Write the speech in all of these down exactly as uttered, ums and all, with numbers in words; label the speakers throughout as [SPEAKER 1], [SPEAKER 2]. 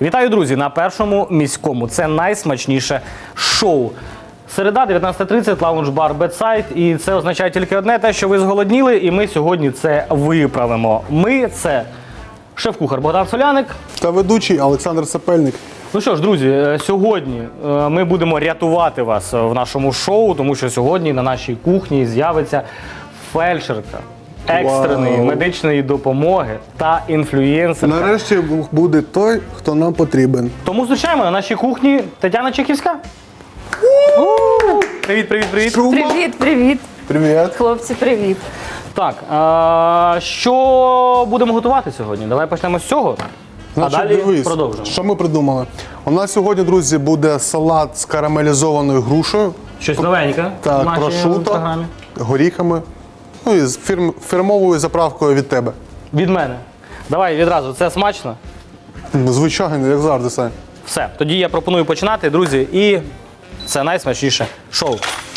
[SPEAKER 1] Вітаю, друзі, на Першому міському. Це найсмачніше шоу. Середа, дев'ятнадцята тридцять, лаунж-бар Бедсайд. І це означає тільки одне, те, що ви зголодніли, і ми сьогодні це виправимо. Ми – це шеф-кухар Богдан Соляник.
[SPEAKER 2] Та ведучий Олександр Сапельник.
[SPEAKER 1] Ну що ж, друзі, сьогодні ми будемо рятувати вас в нашому шоу, тому що сьогодні на нашій кухні з'явиться фельдшерка екстреної
[SPEAKER 2] Вау.
[SPEAKER 1] медичної допомоги та інфлюєнсерка.
[SPEAKER 2] Нарешті буде той, хто нам потрібен.
[SPEAKER 1] Тому зустрічаємо на нашій кухні Тетяна Чехівська. Привіт, привіт, привіт.
[SPEAKER 3] Привіт, привіт.
[SPEAKER 2] Привіт.
[SPEAKER 3] Хлопці, привіт.
[SPEAKER 1] Так, а, що будемо готувати сьогодні? Давай почнемо з цього,
[SPEAKER 2] Значить,
[SPEAKER 1] а далі
[SPEAKER 2] дивись,
[SPEAKER 1] продовжимо.
[SPEAKER 2] що ми придумали. У нас сьогодні, друзі, буде салат з карамелізованою грушею,
[SPEAKER 1] Щось новеньке в
[SPEAKER 2] так,
[SPEAKER 1] нашій
[SPEAKER 2] прошуто,
[SPEAKER 1] програмі.
[SPEAKER 2] горіхами, ну і з фірм, фірмовою заправкою від тебе.
[SPEAKER 1] Від мене. Давай відразу, це смачно.
[SPEAKER 2] Звичайно, як завжди, Сань.
[SPEAKER 1] Все, тоді я пропоную починати, друзі, і це найсмачніше шоу.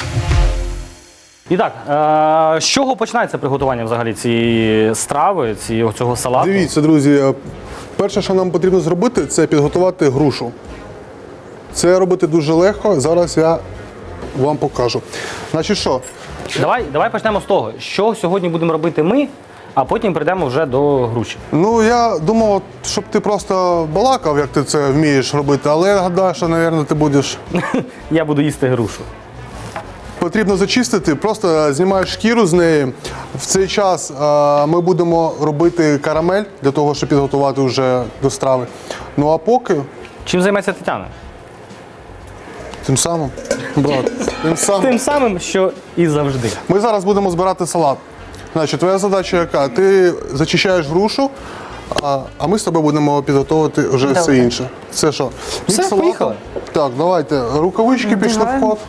[SPEAKER 1] І так, е, з чого починається приготування взагалі цієї страви, цієї, цього салату?
[SPEAKER 2] Дивіться, друзі, перше, що нам потрібно зробити, це підготувати грушу. Це робити дуже легко, зараз я вам покажу. Значить що?
[SPEAKER 1] Давай, давай почнемо з того, що сьогодні будемо робити ми, а потім прийдемо вже до груші.
[SPEAKER 2] Ну, я думав, щоб ти просто балакав, як ти це вмієш робити, але я гадаю, що, мабуть, ти будеш.
[SPEAKER 1] Я буду їсти грушу.
[SPEAKER 2] Потрібно зачистити, просто знімаєш шкіру з неї. В цей час а, ми будемо робити карамель для того, щоб підготувати вже до страви. Ну а поки
[SPEAKER 1] Чим займається Тетяна?
[SPEAKER 2] тим самим, брат, тим самим.
[SPEAKER 1] Тим самим, що і завжди.
[SPEAKER 2] Ми зараз будемо збирати салат. Значить, твоя задача яка? Ти зачищаєш грушу, а, а ми з тобою будемо підготувати вже все
[SPEAKER 3] Добре.
[SPEAKER 2] інше. Це що?
[SPEAKER 1] Все,
[SPEAKER 2] Мікс салату.
[SPEAKER 1] поїхали.
[SPEAKER 2] Так, давайте. Рукавички пішли в
[SPEAKER 3] Вдягаємо.
[SPEAKER 2] ход.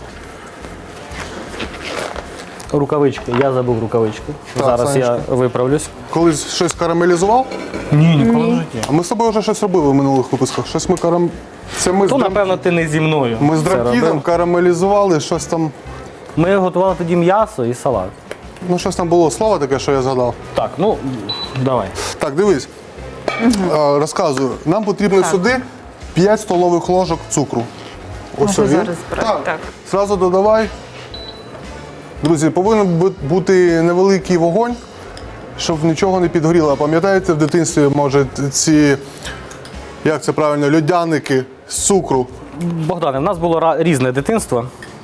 [SPEAKER 1] Рукавички. Я забув рукавички.
[SPEAKER 2] Так,
[SPEAKER 1] Зараз
[SPEAKER 2] Санечка.
[SPEAKER 1] я виправлюсь.
[SPEAKER 2] Колись щось карамелізував,
[SPEAKER 1] Ні, ніколи в житті.
[SPEAKER 2] а ми з тобою вже щось робили в минулих випусках. Щось ми карам... Це ми з,
[SPEAKER 1] То,
[SPEAKER 2] драм...
[SPEAKER 1] напевно, ти не зі мною.
[SPEAKER 2] ми з
[SPEAKER 1] це
[SPEAKER 2] дракідом
[SPEAKER 1] робив.
[SPEAKER 2] карамелізували, щось там.
[SPEAKER 1] Ми готували тоді м'ясо і салат.
[SPEAKER 2] Ну, щось там було слово таке, що я згадав.
[SPEAKER 1] Так, ну, давай.
[SPEAKER 2] Так, дивись. А, розказую. Нам потрібно сюди п'ять столових ложок цукру. Ось
[SPEAKER 3] Можна
[SPEAKER 2] він.
[SPEAKER 3] зараз брати,
[SPEAKER 2] Так.
[SPEAKER 3] так.
[SPEAKER 2] Зразу додавай. Друзі, повинен бу- бути невеликий вогонь, щоб нічого не підгоріло. Пам'ятаєте, в дитинстві, може, ці, як це правильно, льодяники з цукру.
[SPEAKER 1] Богдане, в нас було ра- різне дитинство,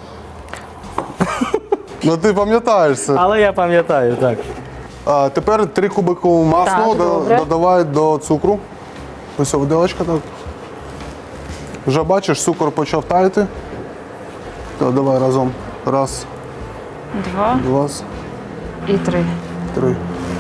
[SPEAKER 2] Ну ти пам'ятаєш це.
[SPEAKER 1] але я пам'ятаю, так.
[SPEAKER 2] А тепер три кубики масла
[SPEAKER 3] Так,
[SPEAKER 2] до-
[SPEAKER 3] добре.
[SPEAKER 2] додавай до цукру. Ось виделочка так. Вже бачиш, цукор почав таяти. Так, давай разом. Раз,
[SPEAKER 3] Два
[SPEAKER 2] два,
[SPEAKER 3] і три.
[SPEAKER 2] три.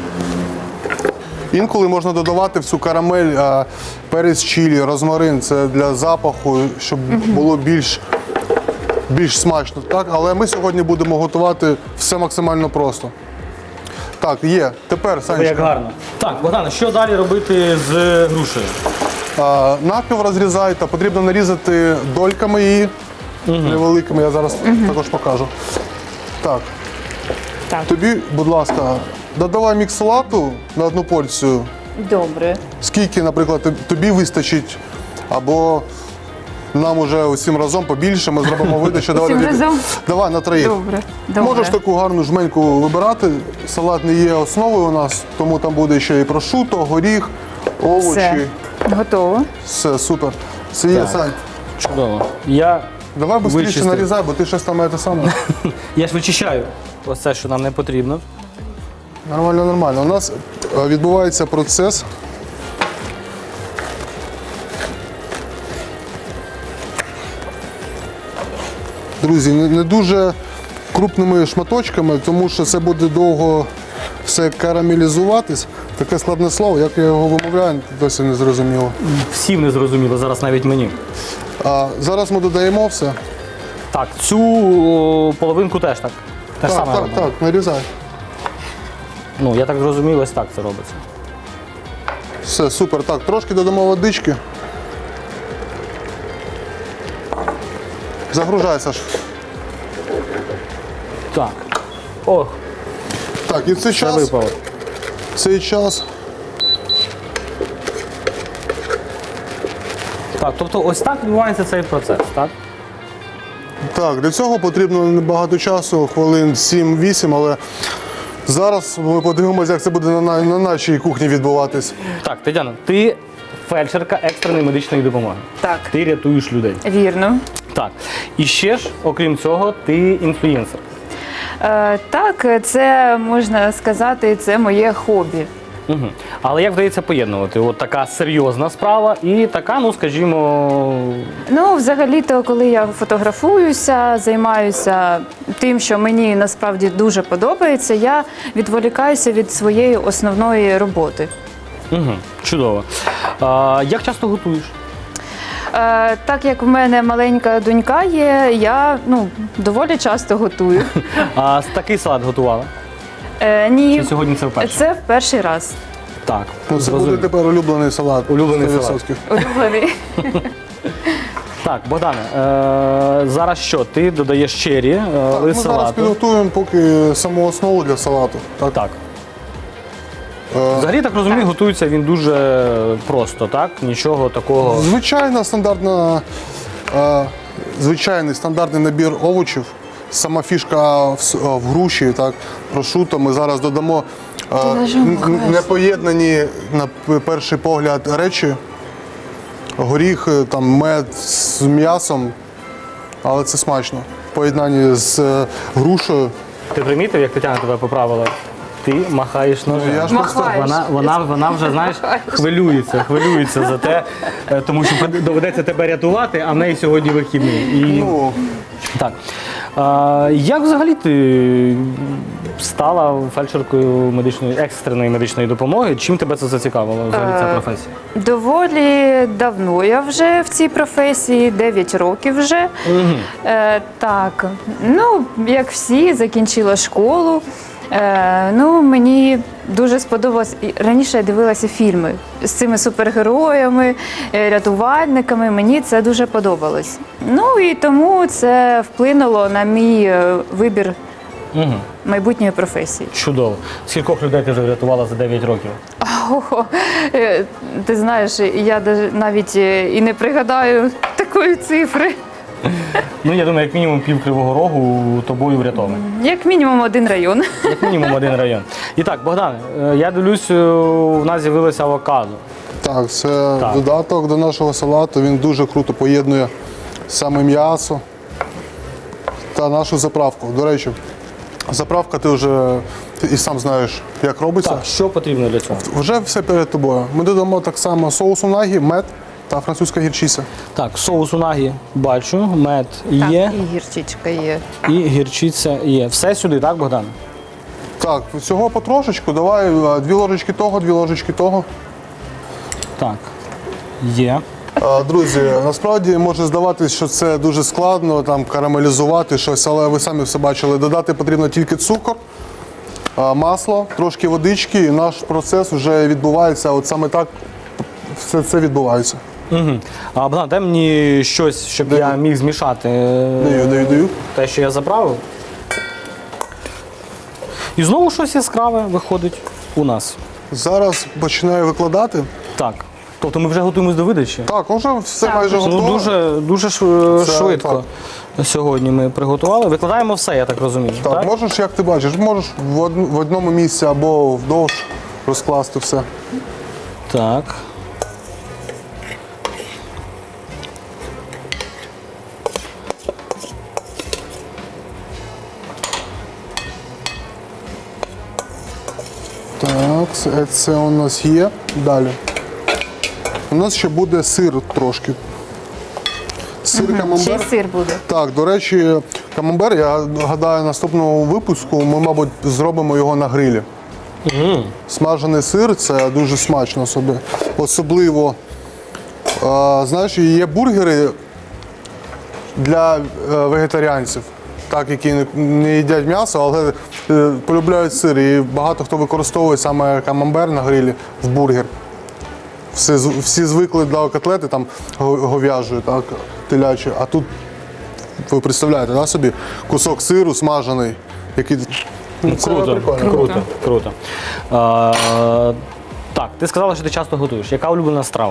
[SPEAKER 2] Інколи можна додавати в цю карамель а, перець чилі, розмарин. Це для запаху, щоб було більш, більш смачно. Так? Але ми сьогодні будемо готувати все максимально просто. Так, є. Тепер,
[SPEAKER 1] Як
[SPEAKER 2] Санечка,
[SPEAKER 1] гарно. Так, Богдане, що далі робити з грушею?
[SPEAKER 2] а, навпіл розрізай, та потрібно нарізати дольками її невеликими. Я зараз також покажу. Так,
[SPEAKER 3] Так,
[SPEAKER 2] тобі, будь ласка, додавай мікс салату на одну порцію.
[SPEAKER 3] добре.
[SPEAKER 2] Скільки, наприклад, тоб- тобі вистачить, або нам уже усім разом побільше, ми зробимо видачу. Давай,
[SPEAKER 3] Усім
[SPEAKER 2] тоді-
[SPEAKER 3] разом?
[SPEAKER 2] Давай на троїх.
[SPEAKER 3] Добре. Добре.
[SPEAKER 2] Можеш таку гарну жменьку вибирати. Салат не є основою у нас, тому там буде ще і прошуто, горіх, овочі.
[SPEAKER 3] Все. Готово.
[SPEAKER 2] Все, супер. Це є,
[SPEAKER 1] Так.
[SPEAKER 2] Сань.
[SPEAKER 1] Чудово. Я,
[SPEAKER 2] Давай швидше
[SPEAKER 1] Вичистив.
[SPEAKER 2] нарізай, бо ти щось там те саме.
[SPEAKER 1] я ж вичищаю ось це, що нам не потрібно.
[SPEAKER 2] Нормально, нормально. У нас е, відбувається процес. Друзі, не, не дуже крупними шматочками, тому що це буде довго все карамелізуватись. Таке складне слово, як я його вимовляю, досі не зрозуміло.
[SPEAKER 1] Всім не зрозуміло, зараз навіть мені.
[SPEAKER 2] А зараз ми додаємо все.
[SPEAKER 1] Так, цю о, половинку теж так. Те ж
[SPEAKER 2] Так,
[SPEAKER 1] саме
[SPEAKER 2] так,
[SPEAKER 1] робимо.
[SPEAKER 2] так, нарізай.
[SPEAKER 1] Ну, я так зрозумів, ось так це робиться.
[SPEAKER 2] Все, супер. Так, трошки додамо водички. Загружай, Саш.
[SPEAKER 1] Так. Ох,
[SPEAKER 2] Так, і в цей
[SPEAKER 1] це
[SPEAKER 2] час,
[SPEAKER 1] випало.
[SPEAKER 2] в цей час
[SPEAKER 1] Так, тобто ось так відбувається цей процес, так?
[SPEAKER 2] Так, для цього потрібно небагато часу, хвилин сім-вісім, але зараз ми подивимося, як це буде на, на, на нашій кухні відбуватись.
[SPEAKER 1] Так, Тетяна, ти фельдшерка екстреної медичної допомоги.
[SPEAKER 3] Так.
[SPEAKER 1] Ти рятуєш людей.
[SPEAKER 3] Вірно.
[SPEAKER 1] Так. І ще ж, окрім цього, ти інфлюєнсер.
[SPEAKER 3] Е, так, це можна сказати, це моє хобі.
[SPEAKER 1] Угу. Але як вдається поєднувати? От така серйозна справа і така, ну скажімо,
[SPEAKER 3] Ну, взагалі-то, коли я фотографуюся, займаюся тим, що мені насправді дуже подобається, я відволікаюся від своєї основної роботи.
[SPEAKER 1] угу. Чудово. А, як часто готуєш?
[SPEAKER 3] Е, так як в мене маленька донька є, я ну, доволі часто готую.
[SPEAKER 1] А такий салат готувала?
[SPEAKER 3] Е, ні,
[SPEAKER 1] Чи сьогодні це вперше?
[SPEAKER 3] це в перший раз.
[SPEAKER 1] Так.
[SPEAKER 2] Ну, це
[SPEAKER 1] зрозумів.
[SPEAKER 2] буде тепер улюблений салат.
[SPEAKER 1] Улюблений
[SPEAKER 2] сто
[SPEAKER 1] салат.
[SPEAKER 2] відсотків.
[SPEAKER 3] Улюблений.
[SPEAKER 1] Так, Богдане, е- зараз що? Ти додаєш чері, е-
[SPEAKER 2] Так, ми
[SPEAKER 1] лист
[SPEAKER 2] зараз
[SPEAKER 1] салату.
[SPEAKER 2] підготуємо поки саму основу для салату. Так?
[SPEAKER 1] Так.
[SPEAKER 2] Е,
[SPEAKER 1] Взагалі, так розумію, готується він дуже просто, так? Нічого такого.
[SPEAKER 2] Звичайна стандартна, е, звичайний стандартний набір овочів. Сама фішка в, с- в груші, так, прошуто. Ми зараз додамо е,
[SPEAKER 3] ножом
[SPEAKER 2] н-
[SPEAKER 3] махаєш.
[SPEAKER 2] непоєднані на п- перший погляд речі. Горіх, там, мед з м'ясом, але це смачно. В поєднанні з е, грушею.
[SPEAKER 1] Ти примітив, як Тетяна тебе поправила? Ти махаєш ножем.
[SPEAKER 2] Я ж просто-
[SPEAKER 3] Махаєш.
[SPEAKER 1] Вона, вона, вона вже, знаєш, хвилюється, хвилюється за те, е, тому що доведеться тебе рятувати, а в неї сьогодні вихідний. І...
[SPEAKER 2] Ну,
[SPEAKER 1] Так. А, як взагалі ти стала фельдшеркою медичної, екстреної медичної допомоги? Чим тебе це зацікавило, взагалі ця професія?
[SPEAKER 3] Доволі давно я вже в цій професії, дев'ять років вже. Е, так, ну, як всі, закінчила школу. Е, ну, мені дуже сподобалось. І раніше я дивилася фільми з цими супергероями, е, рятувальниками. Мені це дуже подобалось. Ну і тому це вплинуло на мій е, вибір
[SPEAKER 1] Угу.
[SPEAKER 3] майбутньої професії.
[SPEAKER 1] Чудово. Скількох людей ти вже врятувала за дев'ять років?
[SPEAKER 3] Ого, е, ти знаєш, я даже навіть е, і не пригадаю такої цифри.
[SPEAKER 1] Ну, я думаю, як мінімум пів Кривого Рогу тобою врятований.
[SPEAKER 3] Як мінімум один район.
[SPEAKER 1] Як мінімум один район. І так, Богдан, е, я дивлюсь, е, у нас з'явилося авокадо.
[SPEAKER 2] так, це
[SPEAKER 1] Так.
[SPEAKER 2] додаток до нашого салату. Він дуже круто поєднує саме м'ясо та нашу заправку. До речі, заправка ти вже і сам знаєш, як робиться.
[SPEAKER 1] Так, що потрібно для цього?
[SPEAKER 2] Вже все перед тобою. Ми додамо так само соус унагі, мед та французька гірчиця.
[SPEAKER 1] Так, соус унагі бачу, мед є
[SPEAKER 3] Так, і гірчичка є.
[SPEAKER 1] і гірчиця є. Все сюди, так, Богдан?
[SPEAKER 2] Так, всього потрошечку, давай е, дві ложечки того, дві ложечки того.
[SPEAKER 1] Так, є.
[SPEAKER 2] Е, Друзі, насправді може здаватись, що це дуже складно там карамелізувати щось, але ви самі все бачили. Додати потрібно тільки цукор, е, масло, трошки водички, і наш процес вже відбувається. От саме так все це відбувається.
[SPEAKER 1] Угу. А, Богдан, дай мені щось, щоб
[SPEAKER 2] Даю.
[SPEAKER 1] я міг змішати е,
[SPEAKER 2] Даю, даю, даю.
[SPEAKER 1] те, що я заправив. І знову щось яскраве виходить у нас.
[SPEAKER 2] Зараз починаю викладати.
[SPEAKER 1] Так. Тобто ми вже готуємось до видачі?
[SPEAKER 2] Так, вже все
[SPEAKER 3] Так.
[SPEAKER 2] майже
[SPEAKER 1] Ну,
[SPEAKER 2] готово.
[SPEAKER 1] дуже, дуже шв-
[SPEAKER 2] Це
[SPEAKER 1] швидко сьогодні ми приготували. Викладаємо все, я так розумію.
[SPEAKER 2] Так,
[SPEAKER 1] Так?
[SPEAKER 2] можеш, як ти бачиш, можеш в, од- в одному місці або вдовж розкласти все.
[SPEAKER 1] Так.
[SPEAKER 2] Так, це, це у нас є. Далі. У нас ще буде сир трошки. Сир
[SPEAKER 3] Ще й
[SPEAKER 2] камамбер.
[SPEAKER 3] сир буде.
[SPEAKER 2] Так, до речі, камамбер, я гадаю, наступного випуску ми, мабуть, зробимо його на грилі. Смажений сир це дуже смачно собі. Особливо, е, знаєш, є бургери для е, вегетаріанців, так, які не, не їдять м'ясо, але е, полюбляють сир. І багато хто використовує саме камамбер на грилі в бургер. Всі, з- всі звикли до котлети там го- говяжої, так, телячої, а тут ви представляєте, да, собі кусок сиру смажений, який ну, це
[SPEAKER 1] Круто,
[SPEAKER 2] прикольно.
[SPEAKER 1] круто, круто. А, так, ти сказала, що ти часто готуєш. Яка улюблена страва?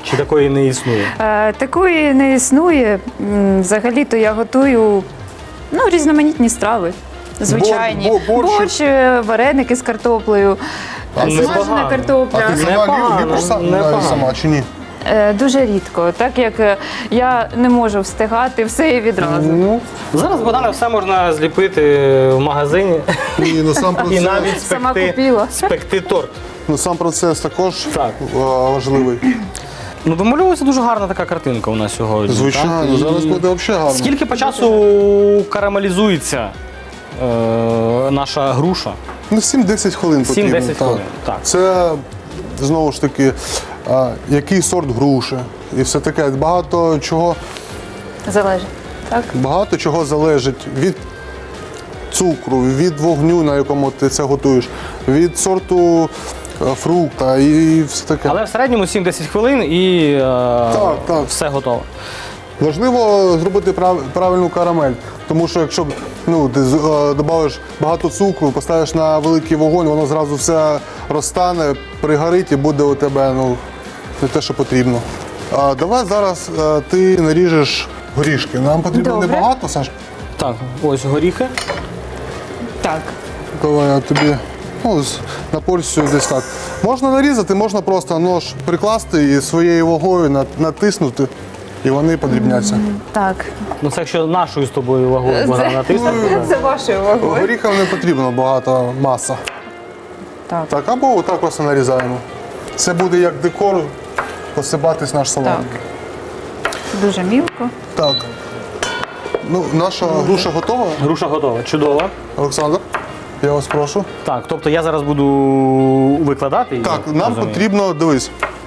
[SPEAKER 1] Чи такої не існує?
[SPEAKER 3] Е, Такої не існує. М, Взагалі-то я готую ну, різноманітні страви. Звичайні.
[SPEAKER 2] Бор- бор- борщ.
[SPEAKER 3] Борщ, е, вареники з картоплею,
[SPEAKER 2] А
[SPEAKER 3] е,
[SPEAKER 2] це
[SPEAKER 3] смажена
[SPEAKER 1] непогано.
[SPEAKER 2] А
[SPEAKER 3] картопля.
[SPEAKER 2] ти сама
[SPEAKER 1] Непогано,
[SPEAKER 2] лю- любиш сам
[SPEAKER 1] непогано.
[SPEAKER 2] навіть сама чи ні?
[SPEAKER 3] Е, Дуже рідко, так як е, я не можу встигати все і відразу.
[SPEAKER 2] Ну,
[SPEAKER 1] Зараз, Богдане, все можна зліпити в магазині
[SPEAKER 2] і ну, сам
[SPEAKER 1] і
[SPEAKER 2] процес,
[SPEAKER 1] навіть
[SPEAKER 3] Сама
[SPEAKER 1] спекти,
[SPEAKER 3] купила.
[SPEAKER 1] спекти торт.
[SPEAKER 2] ну, сам процес також
[SPEAKER 1] Так.
[SPEAKER 2] е, важливий.
[SPEAKER 1] Ну, домальовується дуже гарна така картинка у нас сьогодні.
[SPEAKER 2] Звичайно,
[SPEAKER 1] так? І
[SPEAKER 2] зараз буде взагалі гарно.
[SPEAKER 1] Скільки по часу карамелізується е, наша груша?
[SPEAKER 2] Ну, сім-десять хвилин потрібно.
[SPEAKER 1] сім-десять хвилин, так.
[SPEAKER 2] Це, знову ж таки, а, який сорт груші і все таке. Багато чого,
[SPEAKER 3] Залежить. Так?
[SPEAKER 2] багато чого залежить від цукру, від вогню, на якому ти це готуєш, від сорту е, фрукта і все таке.
[SPEAKER 1] Але в середньому сім-десять хвилин і е,
[SPEAKER 2] так.
[SPEAKER 1] все готово.
[SPEAKER 2] Важливо зробити прав- правильну карамель, тому що якщо ну, ти з- е, додаєш багато цукру, поставиш на великий вогонь, воно зразу все розтане, пригорить і буде у тебе ну, не те, що потрібно. А, давай зараз е, ти наріжеш горішки. Нам потрібно
[SPEAKER 3] Добре.
[SPEAKER 2] небагато, Саш.
[SPEAKER 1] Так, ось горіхи.
[SPEAKER 3] Так.
[SPEAKER 2] Давай я тобі ну, з- на порцію десь так. Можна нарізати, можна просто нож прикласти і своєю вагою на- натиснути, і вони подрібняться.
[SPEAKER 3] Так.
[SPEAKER 1] Ну це якщо нашою з тобою вагою Богдан натиснути.
[SPEAKER 3] Це вашою вагою.
[SPEAKER 2] Горіхам не потрібно багато маса.
[SPEAKER 3] Так.
[SPEAKER 2] Так, або отак просто нарізаємо. Це буде як декор посипатись наш салат.
[SPEAKER 3] Так. Дуже мілко.
[SPEAKER 2] Так. Ну, наша груша готова.
[SPEAKER 1] Груша готова. Чудово.
[SPEAKER 2] Олександр, я вас прошу.
[SPEAKER 1] Так, тобто я зараз буду викладати її.
[SPEAKER 2] Так, нам
[SPEAKER 1] розумію?
[SPEAKER 2] потрібно, дивись.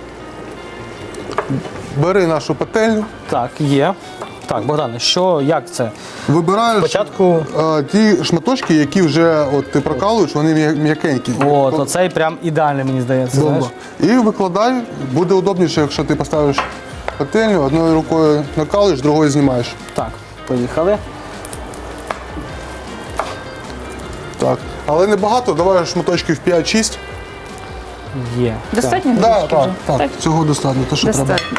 [SPEAKER 2] Бери нашу пательню,
[SPEAKER 1] Так, є. Так, Богдане, що, як це?
[SPEAKER 2] вибираєш
[SPEAKER 1] Спочатку,
[SPEAKER 2] е, ті шматочки, які вже от, ти прокалуєш, вони м'я- м'якенькі.
[SPEAKER 1] от, оцей прям ідеальний, мені здається, знаєш.
[SPEAKER 2] Бомба. І викладай, буде удобніше, якщо ти поставиш пательню, одною рукою накалуєш, другою знімаєш.
[SPEAKER 1] Так, поїхали.
[SPEAKER 2] Так. Але не багато, давай шматочків п'ять-шість.
[SPEAKER 1] Є.
[SPEAKER 3] Достатньо
[SPEAKER 2] Так,
[SPEAKER 3] горішки
[SPEAKER 2] так,
[SPEAKER 3] вже?
[SPEAKER 2] так,
[SPEAKER 3] Так?
[SPEAKER 2] цього достатньо, те, що треба.
[SPEAKER 3] Достатньо.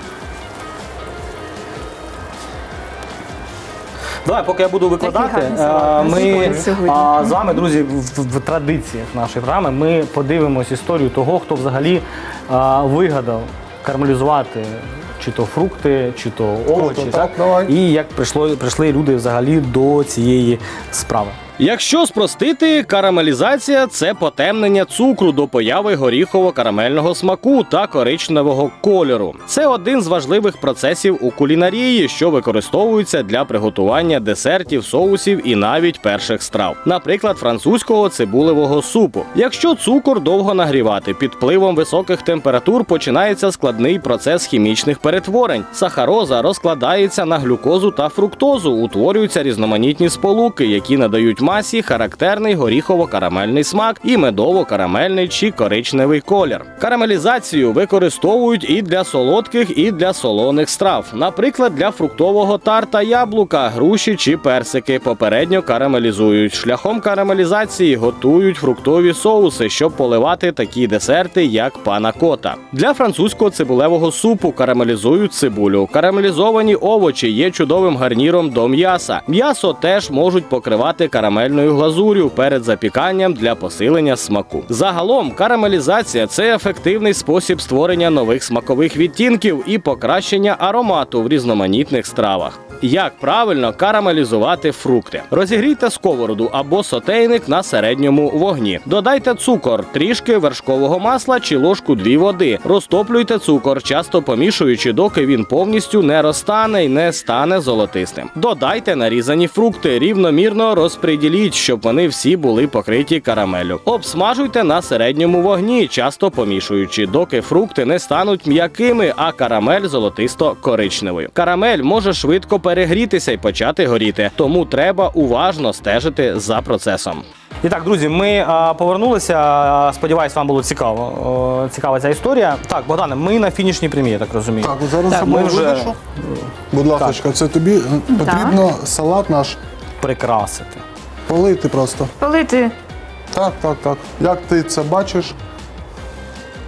[SPEAKER 1] Давай, поки я буду викладати,
[SPEAKER 3] гарний салат
[SPEAKER 1] е,
[SPEAKER 3] у нас
[SPEAKER 1] ми
[SPEAKER 3] виходить сьогодні.
[SPEAKER 1] а, з вами, друзі, в, в традиціях нашої програми ми подивимось історію того, хто взагалі а, вигадав карамелізувати чи то фрукти, чи то овочі.
[SPEAKER 2] Круто, так, давай.
[SPEAKER 1] І як прийшло, прийшли люди взагалі до цієї справи. Якщо спростити, карамелізація – це потемнення цукру до появи горіхово-карамельного смаку та коричневого кольору. Це один з важливих процесів у кулінарії, що використовується для приготування десертів, соусів і навіть перших страв. Наприклад, французького цибулевого супу. Якщо цукор довго нагрівати, під впливом високих температур починається складний процес хімічних перетворень. Сахароза розкладається на глюкозу та фруктозу, утворюються різноманітні сполуки, які надають масі характерний горіхово-карамельний смак і медово-карамельний чи коричневий колір. Карамелізацію використовують і для солодких, і для солоних страв. Наприклад, для фруктового тарта яблука, груші чи персики попередньо карамелізують. Шляхом карамелізації готують фруктові соуси, щоб поливати такі десерти, як пана-кота. Для французького цибулевого супу карамелізують цибулю. Карамелізовані овочі є чудовим гарніром до м'яса. М'ясо теж можуть покривати карамель карамельною глазур'ю перед запіканням для посилення смаку. Загалом, карамелізація – це ефективний спосіб створення нових смакових відтінків і покращення аромату в різноманітних стравах. Як правильно карамелізувати фрукти? Розігрійте сковороду або сотейник на середньому вогні. Додайте цукор, трішки вершкового масла чи ложку дві води. Розтоплюйте цукор, часто помішуючи, доки він повністю не розтане і не стане золотистим. Додайте нарізані фрукти, рівномірно розподіліть, щоб вони всі були покриті карамеллю. Обсмажуйте на середньому вогні, часто помішуючи, доки фрукти не стануть м'якими, а карамель золотисто-коричневою. Карамель може швидко перегрітися і почати горіти, тому треба уважно стежити за процесом. І так, друзі, ми а, повернулися. Сподіваюсь, вам було цікаво. О, цікава ця історія. Так, Богдане, ми на фінішній прямі, я так розумію.
[SPEAKER 2] Так, зараз
[SPEAKER 1] Так,
[SPEAKER 2] я
[SPEAKER 1] ми
[SPEAKER 2] ми
[SPEAKER 1] вже-
[SPEAKER 2] видишу. Будь ласка, це тобі потрібно салат наш
[SPEAKER 1] Прикрасити.
[SPEAKER 2] полити просто.
[SPEAKER 3] Полити
[SPEAKER 2] Так, так, так. Як ти це бачиш?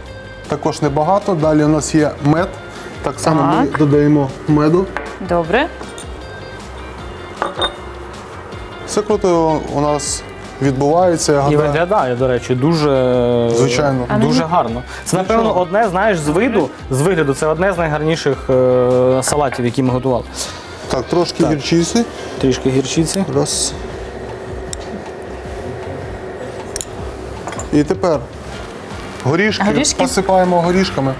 [SPEAKER 2] також небагато. Далі у нас є мед. Так само ми
[SPEAKER 3] Так.
[SPEAKER 2] додаємо меду.
[SPEAKER 3] Добре.
[SPEAKER 2] Все круто у нас відбувається. Я
[SPEAKER 1] І
[SPEAKER 2] гадаю.
[SPEAKER 1] виглядає, до речі, дуже,
[SPEAKER 2] Звичайно.
[SPEAKER 3] А
[SPEAKER 1] дуже
[SPEAKER 3] мені-
[SPEAKER 1] гарно. Це, напевно, одне, знаєш, з виду, з вигляду, це одне з найгарніших е, салатів, які ми готували.
[SPEAKER 2] Так, трошки гірчиці.
[SPEAKER 1] Трішки гірчиці.
[SPEAKER 2] Раз. І тепер горішки,
[SPEAKER 3] Горішки?
[SPEAKER 2] посипаємо горішками.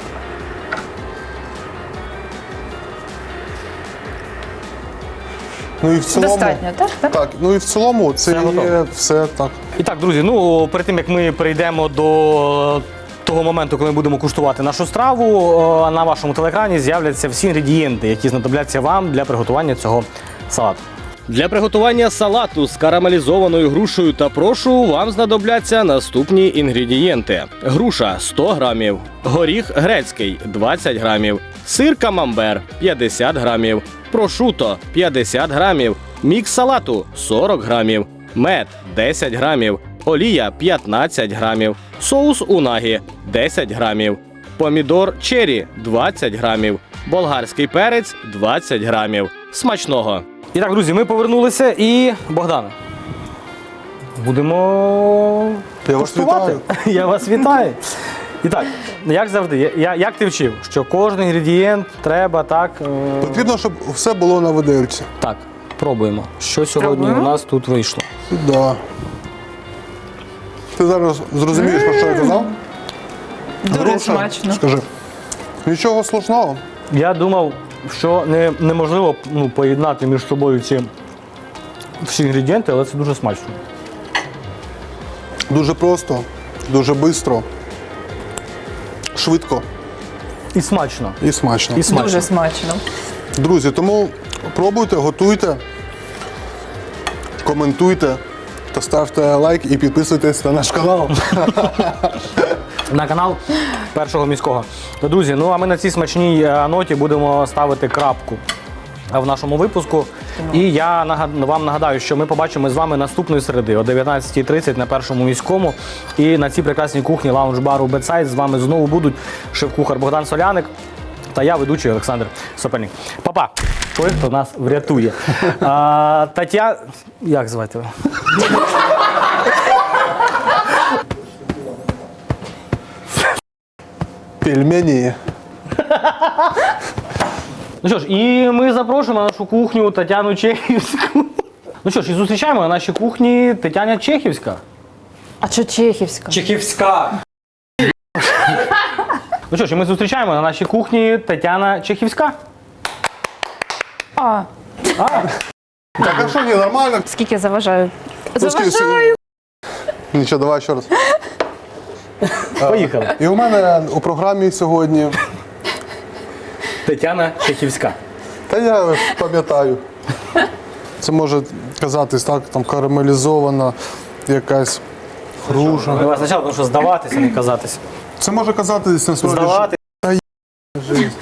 [SPEAKER 2] Ну і в цілому,
[SPEAKER 3] Достатньо, так? Так.
[SPEAKER 2] так, ну і в цілому це
[SPEAKER 1] Все готово.
[SPEAKER 2] є все так.
[SPEAKER 1] І так, друзі, ну перед тим як ми перейдемо до того моменту, коли ми будемо куштувати нашу страву, о, на вашому телеекрані з'являться всі інгредієнти, які знадобляться вам для приготування цього салату. Для приготування салату з карамелізованою грушею та прошу вам знадобляться наступні інгредієнти: груша сто грамів, горіх грецький двадцять грамів, сир камамбер п'ятдесят грамів, прошуто п'ятдесят грамів, мікс салату сорок грамів, мед десять грамів, олія п'ятнадцять грамів, соус унагі десять грамів, помідор чері двадцять грамів, болгарський перець двадцять грамів. Смачного! І так, друзі, ми повернулися і Богдане. Будемо
[SPEAKER 2] Я вас
[SPEAKER 1] куштувати. Я вас вітаю. І так, як завжди, я- я, як ти вчив, що кожен інгредієнт треба так. е,
[SPEAKER 2] Потрібно, щоб все було на видельці.
[SPEAKER 1] Так, пробуємо. Що сьогодні
[SPEAKER 3] Пробуємо.
[SPEAKER 1] у нас тут вийшло?
[SPEAKER 2] Да. Ти зараз зрозумієш, про що я казав?
[SPEAKER 3] Дуже
[SPEAKER 2] Груша,
[SPEAKER 3] смачно.
[SPEAKER 2] Скажи. Нічого слушного.
[SPEAKER 1] Я думав, що не, неможливо ну, поєднати між собою ці всі інгредієнти, але це дуже смачно.
[SPEAKER 2] Дуже просто, дуже швидко, швидко
[SPEAKER 1] І смачно.
[SPEAKER 2] і смачно.
[SPEAKER 1] І смачно.
[SPEAKER 3] Дуже смачно.
[SPEAKER 2] Друзі, тому пробуйте, готуйте, коментуйте та ставте лайк і підписуйтесь на наш канал.
[SPEAKER 1] На канал Першого міського. Друзі, ну а ми на цій смачній е, ноті будемо ставити крапку в нашому випуску. І я нагад- вам нагадаю, що ми побачимо з вами наступної середи о дев'ятнадцятій тридцять на Першому міському. І на цій прекрасній кухні лаунж-бару Бедсайд з вами знову будуть шеф-кухар Богдан Соляник та я, ведучий Олександр Сопельник. Папа, той, хто нас врятує. А, Тетя... Як звати ви?
[SPEAKER 2] Пельмені.
[SPEAKER 1] Ну що ж, і ми запрошуємо на нашу кухню Тетяну Чехівську. Ну що ж, і зустрічаємо на нашій кухні Тетяна Чехівська.
[SPEAKER 3] А що чехівська?
[SPEAKER 1] Чехівська. Ну що ж, і ми зустрічаємо на нашій кухні Тетяна Чехівська.
[SPEAKER 3] А,
[SPEAKER 2] Так, а що ні, нормально?
[SPEAKER 3] скільки заважаю?
[SPEAKER 2] Ну, скільки-
[SPEAKER 3] Заважаю.
[SPEAKER 2] Нічого, давай ще раз.
[SPEAKER 1] Поїхали.
[SPEAKER 2] І у мене у програмі сьогодні,
[SPEAKER 1] Тетяна Чехівська.
[SPEAKER 2] та я пам'ятаю, це може казатись так, там карамелізована якась груша.
[SPEAKER 1] Давай спочатку, тому що здаватися, не казатися.
[SPEAKER 2] Це може казатись насправді.
[SPEAKER 1] Здавати.
[SPEAKER 2] Жизнь.